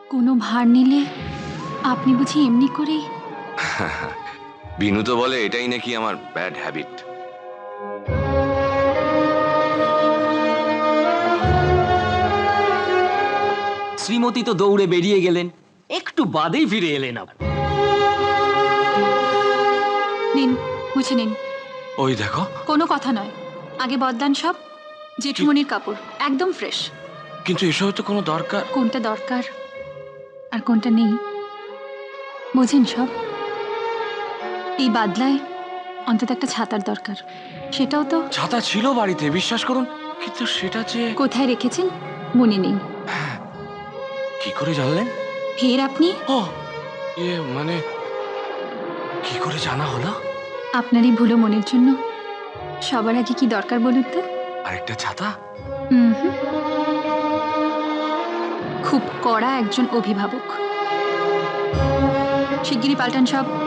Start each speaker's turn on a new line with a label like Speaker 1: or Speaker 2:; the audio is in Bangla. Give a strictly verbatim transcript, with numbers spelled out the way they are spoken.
Speaker 1: কোনো ভার নিলে আপনি বুঝি এমনি করে?
Speaker 2: বিনু তো বলে এটাই নাকি আমার ব্যাড হ্যাবিট।
Speaker 3: শ্রীমতী তো দৌড়ে বেরিয়ে গেলেন, একটু বাদেই ফিরে এলেন আবার।
Speaker 1: নিন, বুঝে নিন।
Speaker 2: ওই দেখো,
Speaker 1: কোনো কথা নয়, আগে বদলান সব। জেঠুমনির কাপড় একদম ফ্রেশ।
Speaker 2: কিন্তু এসব তো কোনো দরকার।
Speaker 1: কোনটা দরকার আর কোনটা নেই বোঝেন সব। এই বাদলায় অন্তত একটা ছাতার দরকার, সেটাও তো।
Speaker 2: ছাতা ছিল বাড়িতে, বিশ্বাস করুন, কিন্তু সেটা যে
Speaker 1: কোথায় রেখেছেন মনে নেই।
Speaker 2: কি করে জানলেন?
Speaker 1: ফের আপনি?
Speaker 2: ও ইয়ে মানে কি করে জানা হলো?
Speaker 1: আপনার এই ভুলো মনের জন্য সবার আগে কি দরকার বলুন তো?
Speaker 2: আরেকটা ছাতা?
Speaker 1: হুম হুম, খুব কড়া একজন অভিভাবক। শিগগিরই পাল্টান সব।